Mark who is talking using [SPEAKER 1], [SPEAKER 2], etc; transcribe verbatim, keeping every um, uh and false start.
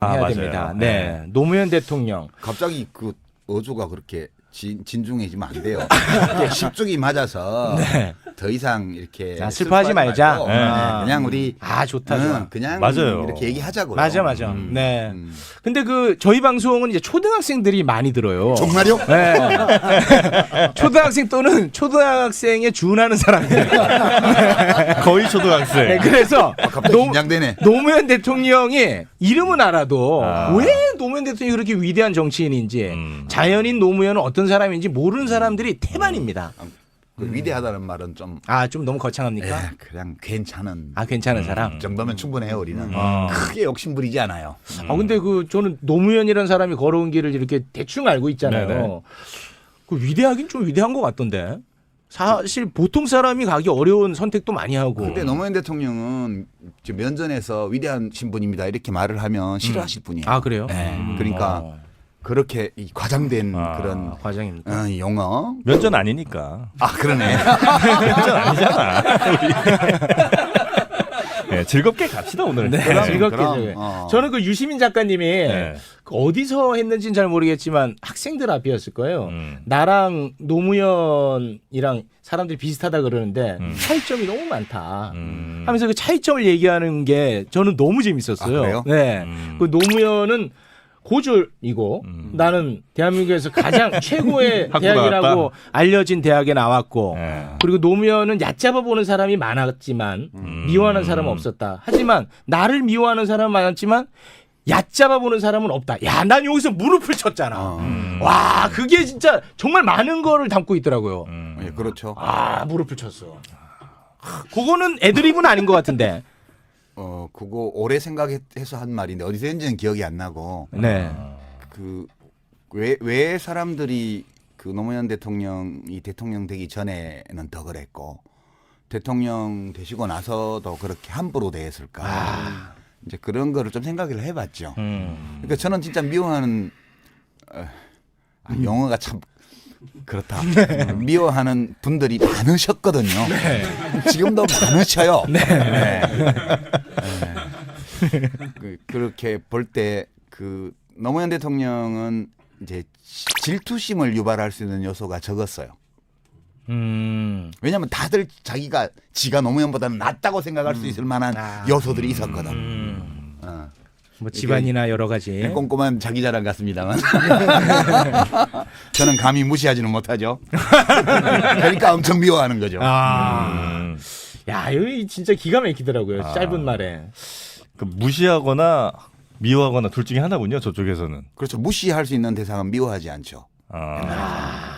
[SPEAKER 1] 아,
[SPEAKER 2] 해야
[SPEAKER 1] 맞아요.
[SPEAKER 2] 됩니다.
[SPEAKER 1] 네.
[SPEAKER 2] 네. 노무현 대통령.
[SPEAKER 3] 갑자기 그 어조가 그렇게 진, 진중해지면 안 돼요. 이게 십중이 맞아서
[SPEAKER 2] 네.
[SPEAKER 3] 더 이상 이렇게
[SPEAKER 2] 아, 슬퍼하지 말자.
[SPEAKER 3] 말고,
[SPEAKER 1] 네.
[SPEAKER 3] 네, 그냥 우리
[SPEAKER 2] 아 좋다
[SPEAKER 3] 응,
[SPEAKER 2] 좋아.
[SPEAKER 3] 그냥
[SPEAKER 1] 맞아요.
[SPEAKER 3] 이렇게 얘기하자고요.
[SPEAKER 2] 맞아 맞아.
[SPEAKER 3] 음.
[SPEAKER 2] 네.
[SPEAKER 3] 음.
[SPEAKER 2] 근데 그 저희 방송은 이제 초등학생들이 많이 들어요.
[SPEAKER 3] 정말요?
[SPEAKER 2] 네. 초등학생 또는 초등학생에 준하는 사람들.
[SPEAKER 1] 거의 초등학생.
[SPEAKER 2] 네, 그래서
[SPEAKER 3] 갑자기
[SPEAKER 2] 노,
[SPEAKER 3] 긴장되네.
[SPEAKER 2] 노무현 대통령이 이름은 알아도
[SPEAKER 1] 아.
[SPEAKER 2] 왜 노무현 대통령이 그렇게 위대한 정치인인지
[SPEAKER 1] 음.
[SPEAKER 2] 자연인 노무현은 어떤 사람인지 모르는 사람들이 태반입니다.
[SPEAKER 3] 그 위대하다는 말은 좀
[SPEAKER 2] 아 좀 너무 거창합니까?
[SPEAKER 3] 예, 그냥 괜찮은
[SPEAKER 2] 아 괜찮은 사람.
[SPEAKER 3] 정도면 충분해요. 우리는
[SPEAKER 1] 아.
[SPEAKER 3] 크게 욕심 부리지 않아요.
[SPEAKER 2] 아 근데 그 저는 노무현이라는 사람이 걸어온 길을 이렇게 대충 알고 있잖아요.
[SPEAKER 1] 네네.
[SPEAKER 2] 그 위대하긴 좀 위대한 것 같던데. 사실 보통 사람이 가기 어려운 선택도 많이 하고.
[SPEAKER 3] 근데 노무현 대통령은 저 면전에서 위대한 신분입니다 이렇게 말을 하면 싫어하실 분이에요.
[SPEAKER 2] 아 그래요?
[SPEAKER 3] 네,
[SPEAKER 2] 음.
[SPEAKER 3] 그러니까
[SPEAKER 2] 어.
[SPEAKER 3] 그렇게 이 과장된
[SPEAKER 1] 아.
[SPEAKER 3] 그런
[SPEAKER 2] 아, 과장입니까?
[SPEAKER 3] 어, 용어.
[SPEAKER 1] 면전 아니니까.
[SPEAKER 3] 아 그러네.
[SPEAKER 1] 면전 아니잖아. 우리. 네, 즐겁게 갑시다 오늘.
[SPEAKER 2] 네,
[SPEAKER 3] 그럼,
[SPEAKER 2] 즐겁게.
[SPEAKER 3] 그럼,
[SPEAKER 2] 즐겁게.
[SPEAKER 3] 어.
[SPEAKER 2] 저는 그 유시민 작가님이
[SPEAKER 1] 네.
[SPEAKER 2] 그 어디서 했는지는 잘 모르겠지만 학생들 앞이었을 거예요.
[SPEAKER 1] 음.
[SPEAKER 2] 나랑 노무현이랑 사람들이 비슷하다 그러는데
[SPEAKER 1] 음.
[SPEAKER 2] 차이점이 너무 많다.
[SPEAKER 1] 음.
[SPEAKER 2] 하면서 그 차이점을 얘기하는 게 저는 너무 재밌었어요.
[SPEAKER 3] 아, 그래요?
[SPEAKER 2] 네.
[SPEAKER 1] 음.
[SPEAKER 2] 그 노무현은 고졸이고
[SPEAKER 1] 음.
[SPEAKER 2] 나는 대한민국에서 가장 최고의
[SPEAKER 1] 학부
[SPEAKER 2] 대학이라고
[SPEAKER 1] 나왔다?
[SPEAKER 2] 알려진 대학에 나왔고
[SPEAKER 1] 네.
[SPEAKER 2] 그리고 노무현은 얕잡아 보는 사람이 많았지만
[SPEAKER 1] 음.
[SPEAKER 2] 미워하는 사람은 없었다. 하지만 나를 미워하는 사람은 많았지만 얕잡아 보는 사람은 없다. 야, 난 여기서 무릎을 쳤잖아.
[SPEAKER 3] 어.
[SPEAKER 1] 음.
[SPEAKER 2] 와, 그게 진짜 정말 많은 거를 담고 있더라고요.
[SPEAKER 1] 음.
[SPEAKER 3] 예, 그렇죠.
[SPEAKER 2] 아, 무릎을 쳤어. 그거는 애드립은 아닌 것 같은데.
[SPEAKER 3] 어 그거 오래 생각해서 한 말인데 어디서 했는지는 기억이 안 나고
[SPEAKER 2] 네.
[SPEAKER 3] 그 왜 왜 사람들이 그 노무현 대통령이 대통령 되기 전에는 더 그랬고 대통령 되시고 나서도 그렇게 함부로 대했을까?
[SPEAKER 2] 아.
[SPEAKER 3] 이제 그런 거를 좀 생각을 해봤죠.
[SPEAKER 2] 음.
[SPEAKER 3] 그러니까 저는 진짜 미워하는 어, 아, 용어가 참 그렇다. 미워하는 분들이 많으셨거든요. 지금도 많으셔요. 네. 네. 그, 그렇게 볼 때 그 노무현 대통령은 이제 질투심을 유발할 수 있는 요소가 적었어요.
[SPEAKER 2] 음.
[SPEAKER 3] 왜냐하면 다들 자기가 지가 노무현보다는 낫다고 생각할 수 있을 만한
[SPEAKER 2] 아.
[SPEAKER 3] 요소들이 있었거든.
[SPEAKER 2] 음.
[SPEAKER 3] 어.
[SPEAKER 2] 뭐 집안이나 여러 가지.
[SPEAKER 3] 꼼꼼한 자기 자랑 같습니다만 저는 감히 무시하지는 못하죠. 그러니까 엄청 미워하는 거죠.
[SPEAKER 2] 아.
[SPEAKER 1] 음.
[SPEAKER 2] 야, 여기 진짜 기가 막히더라고요.
[SPEAKER 1] 아.
[SPEAKER 2] 짧은 말에.
[SPEAKER 1] 그 무시하거나 미워하거나 둘 중에 하나군요. 저쪽에서는.
[SPEAKER 3] 그렇죠. 무시할 수 있는 대상은 미워하지 않죠.
[SPEAKER 1] 아.